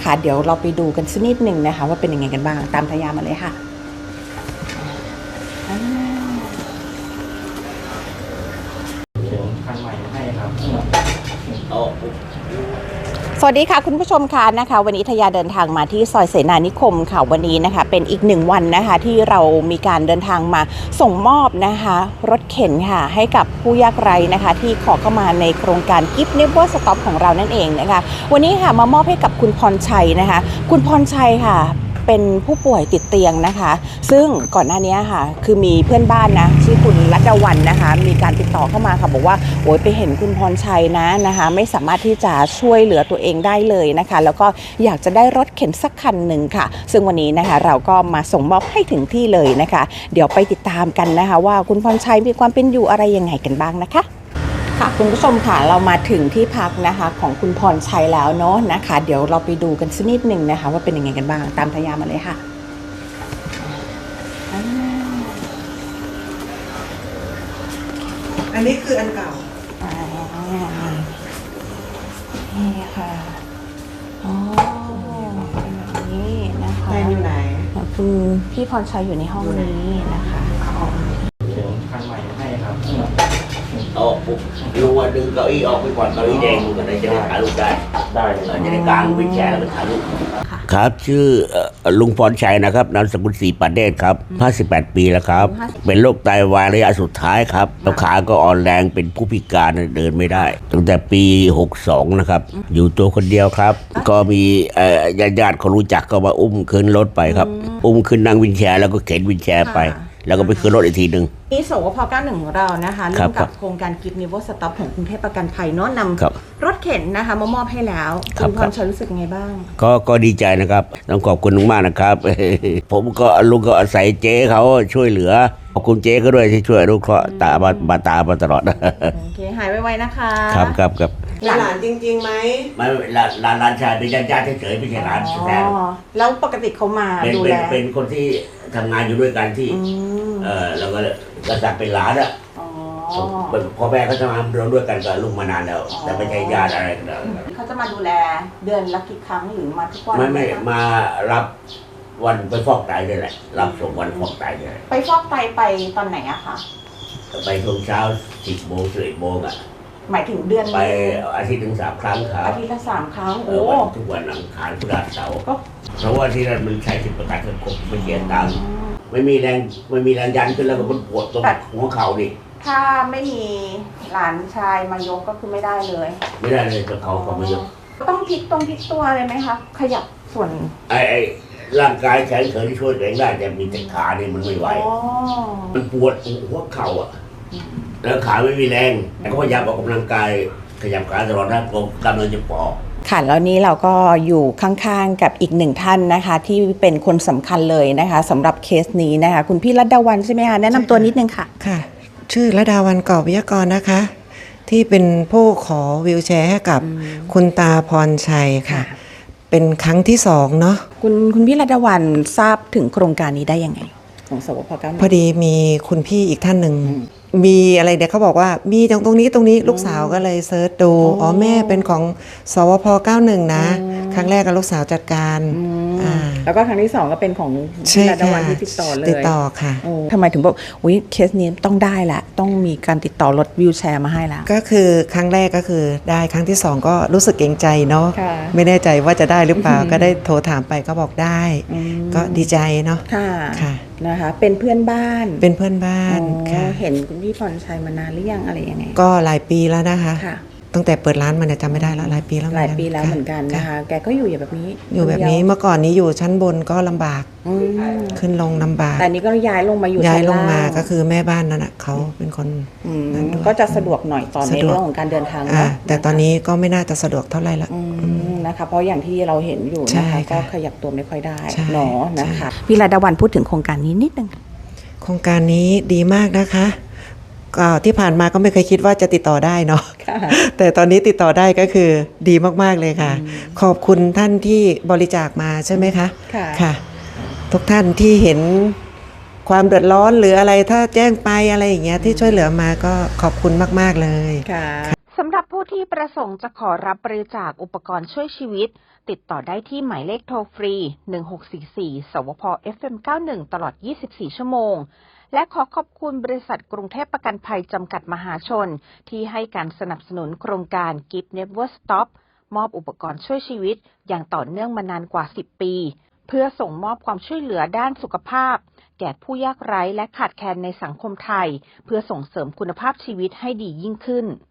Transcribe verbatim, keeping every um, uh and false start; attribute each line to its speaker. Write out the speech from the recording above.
Speaker 1: นะคะเดี๋ยวเราไปดูกันสักนิดหนึ่งนะคะว่าเป็นยังไงกันบ้างตามทายามาเลยค่ะ
Speaker 2: คันใหม่ให้ครับ
Speaker 1: สวัสดีค่ะคุณผู้ชมค่ะนะคะวันนี้ทยาเดินทางมาที่ซอยเสนานิคมค่ะวันนี้นะคะเป็นอีกหนึ่งวันนะคะที่เรามีการเดินทางมาส่งมอบนะคะรถเข็นค่ะให้กับผู้ยากไร้นะคะที่ขอเข้ามาในโครงการกิฟต์เนเวอร์สต็อปของเรานั่นเองนะคะวันนี้ค่ะมามอบให้กับคุณพรชัยนะคะคุณพรชัยค่ะเป็นผู้ป่วยติดเตียงนะคะซึ่งก่อนหน้านี้ค่ะคือมีเพื่อนบ้านนะชื่อคุณรัตวรรณนะคะมีการติดต่อเข้ามาค่ะบอกว่าโอ้ยไปเห็นคุณพรชัยนะนะคะไม่สามารถที่จะช่วยเหลือตัวเองได้เลยนะคะแล้วก็อยากจะได้รถเข็นสักคันหนึ่งค่ะซึ่งวันนี้นะคะเราก็มาส่งมอบให้ถึงที่เลยนะคะเดี๋ยวไปติดตามกันนะคะว่าคุณพรชัยมีความเป็นอยู่อะไรยังไงกันบ้างนะคะค่ะคุณผู้ชมค่ะเรามาถึงที่พักนะคะของคุณพรชัยแล้วเนาะนะคะเดี๋ยวเราไปดูกันสักนิดหนึ่งนะคะว่าเป็นยังไงกันบ้างตามทายามาเลยค่ะ
Speaker 3: อันนี้คืออันเก่า
Speaker 1: นี่ค่ะอ๋อแบบนี้นะคะ
Speaker 3: แฟนอยู่ไหน
Speaker 1: คุณพี่พรชัยอยู่ในห้องนี้นะคะ
Speaker 2: คันใหม่ให้ครับ
Speaker 4: ออกปุ๊บลุงว่าดึงเก้าอี้ออกไปก่อนเก้าอี้แดงดูกันเลยจะได้ถ่ายรูปได้
Speaker 2: ได้เลย
Speaker 4: จะได้กางวินแชร์แล้วก็ถ่ายรูปครับชื่อลุงพรชัยนะครับนามสกุลศรีปานเดชครับห้าสิบแปดปีแล้วครับเป็นโรคไตวายระยะสุดท้ายครับแล้วขาก็อ่อนแรงเป็นผู้พิการเดินไม่ได้ตั้งแต่ปีหกสิบสองนะครับอยู่ตัวคนเดียวครับก็มีญาติญาติเขารู้จักก็มาอุ้มขึ้นรถไปครับอุ้มขึ้นนั่งวินแชร์แล้วก็เข็นวินแชร์ไปแล้วก็ไปขึ้นรถอีกทีหนึ่ง
Speaker 1: นี่สวพเก้าสิบเอ็ดของเรานะคะร่วมกับโครงการกิฟต์เนเวอร์สต็อปของกรุงเทพประกันภัยเนาะนำรถเข็นนะคะมามอบให้แล้วคุณพรชัยรู้สึกไงบ้าง
Speaker 4: ก็ก็ดีใจนะครับต้องขอบคุณมากนะครับผมก็ลุงก็อาศัยเจ๊เขาช่วยเหลือขอบคุณเจ๊ก็ด้วยที่ช่วยลูกเคราะห์ตาบาบาตามาตลอด
Speaker 1: โอเคหายไวๆนะคะ
Speaker 4: ครับครับครับ
Speaker 3: หลานจริงๆไหม
Speaker 4: ไม่หลานหลานหลานชายเป็นญาติญาติเฉยๆไม่ใช่หลานแท้
Speaker 1: แล้วปกติเขามาดูแล
Speaker 4: เป็นคนที่ทำงานอยู่ด้วยกันที่เออแล้วก็กษัตริย์เป็นหลานอ่ะพ่อแม่เขาทำงานเราด้วยกันกับลุงมานานแล้วแต่ไม่ใช่ญาติอะไรกัน
Speaker 1: เขาจะมาดูแลเดือนละกี่ครั้งหรือมาทุกวัน
Speaker 4: ไม่ไม่มารับวันไปฟอกไตเลยแหละรับส่งวันฟอกไตเลย
Speaker 1: ไปฟอกไตไปตอนไหนอะคะ
Speaker 4: ไปช่วงเช้าสิบโมงสิบเอ็ดโมงอะ
Speaker 1: หมายถึงเดือน
Speaker 4: ไปอาทิตย์ถึงสามครั้งครับ
Speaker 1: อาทิตย์ละสามครั้งโอ้
Speaker 4: ทุกวันอังคารพฤหัสเสาร์เพราะว่าที่นั่นมันใช้สิทธิประกันสังคมไม่เสียตังค์ไม่มีแรงไม่มีแรงยันขึ้นแล้วก็มันปวดตรงหัวเข่าดิ
Speaker 1: ถ้าไม่มีหลานชายมายกก็คือไม่ได้เลย
Speaker 4: ไม่ได้เลยตัวเขาเขาไม่ยก
Speaker 1: ต้องพลิกตรงพลิกตัวเลยไหมคะขยับส่วน
Speaker 4: ไอ้ไอ้ร่างกายแข็งเขินที่ช่วยตัวเองได้แต่มีแต่ขาเนี่ยมันไม่ไหวมันปวดหัวเข่าอ่ะแล้วขาไม่มีแรงแต่ก็พยายามออกกำลังกายขยับขาตลอดนะกกำลังจะปอก
Speaker 1: ค่ะแล้วนี้เราก็อยู่ข้างๆกับอีกหนึ่งท่านนะคะที่เป็นคนสำคัญเลยนะคะสำหรับเคสนี้นะคะคุณพี่รัตดาวันใช่ไหมคะแนะนำตัวนิดนึงค่ะ
Speaker 3: ค่ะชื่อรัตดาวันกอบวิทยากรนะคะที่เป็นผู้ขอวีลแชร์ให้กับคุณตาพรชัยค่ะเป็นครั้งที่สองเนาะ
Speaker 1: คุณคุณพี่รัตดาวันทราบถึงโครงการนี้ได้ยังไงของสวพเก้า
Speaker 3: พอดีมีคุณพี่อีกท่านหนึ่งมีอะไรเดี๋ยวเขาบอกว่ามีตรงตรงนี้ตรงนี้ลูกสาวก็เลยเซิร์ชดูอ๋อแม่เป็นของสวพเก้าสิบเอ็ดนะครั้งแรกกับลูกสาวจัดการ
Speaker 1: อ่าแล้วก็ครั้งที่สองก็เป็นของพี่รัตดาวันที่ติดต่อเลย
Speaker 3: ติดต่อค่ะ
Speaker 1: ทำไมถึงบอกอุ้ยเคสนี้ต้องได้แหละต้องมีการติดต่อรถวีลแชร์มาให้แล้ว
Speaker 3: ก็คือครั้งแรกก็คือได้ครั้งที่สองก็รู้สึกเกรงใจเนาะไม่แน่ใจว่าจะได้หรือเปล่าก็ได้โทรถามไปก็บอกได้ก็ดีใจเนาะ
Speaker 1: ค่ะนะคะเป็นเพื่อนบ้าน
Speaker 3: เป็นเพื่อนบ้านค่ะ
Speaker 1: เห็นคุณพี่พรชัยมานานหรือยังอะไรยังไง
Speaker 3: ก็หลายปีแล้วนะคะตั้งแต่เปิดร้านมาเนี่ยจำไม่ได้แล้วหลายปีแล้ว
Speaker 1: หลายปีแล้วเหมือนกันนะคะแกก็อยู่แบบนี้
Speaker 3: อยู่แบบนี้เมื่อก่อนนี้อยู่ชั้นบนก็ลำบากขึ้นลงลำบาก
Speaker 1: แต่นี้ก็ย้ายลงมาอยู่
Speaker 3: ย้ายลงมาก็คือแม่บ้านนั่นแหะเขาเป็นคน
Speaker 1: นั้นก็จะสะดวกหน่อยตอนในเรื่องของการเดินทางนะ
Speaker 3: แต่ตอนนี้ก็ไม่น่าจะสะดวกเท่าไหร่ละ
Speaker 1: นะคะเพราะอย่างที่เราเห็นอยู่นะคะก็ขยับตัวไม่ค่อยได้เนาะนะคะพี่รัตดาวันพูดถึงโครงการนี้นิดนึง
Speaker 3: โครงการนี้ดีมากนะคะก็ที่ผ่านมาก็ไม่เคยคิดว่าจะติดต่อได้เนาะแต่ตอนนี้ติดต่อได้ก็คือดีมากๆเลยค่ะขอบคุณท่านที่บริจาคมาใช่ไหมคะค่ะทุกท่านที่เห็นความเดือดร้อนหรืออะไรถ้าแจ้งไปอะไรอย่างเงี้ยที่ช่วยเหลือมาก็ขอบคุณมากๆเลย
Speaker 1: ค่ะสำหรับผู้ผู้ที่ประสงค์จะขอรับบริจาคอุปกรณ์ช่วยชีวิตติดต่อได้ที่หมายเลขโทรฟรีหนึ่งหกสี่สี่สวพ เอฟ เอ็ม เก้าสิบเอ็ด ตลอดยี่สิบสี่ชั่วโมงและขอขอบคุณบริษัทกรุงเทพประกันภัยจำกัดมหาชนที่ให้การสนับสนุนโครงการ Give Never Stop มอบอุปกรณ์ช่วยชีวิตอย่างต่อเนื่องมานานกว่าสิบปีเพื่อส่งมอบความช่วยเหลือด้านสุขภาพแก่ผู้ยากไร้และขาดแคลนในสังคมไทยเพื่อส่งเสริมคุณภาพชีวิตให้ดียิ่งขึ้น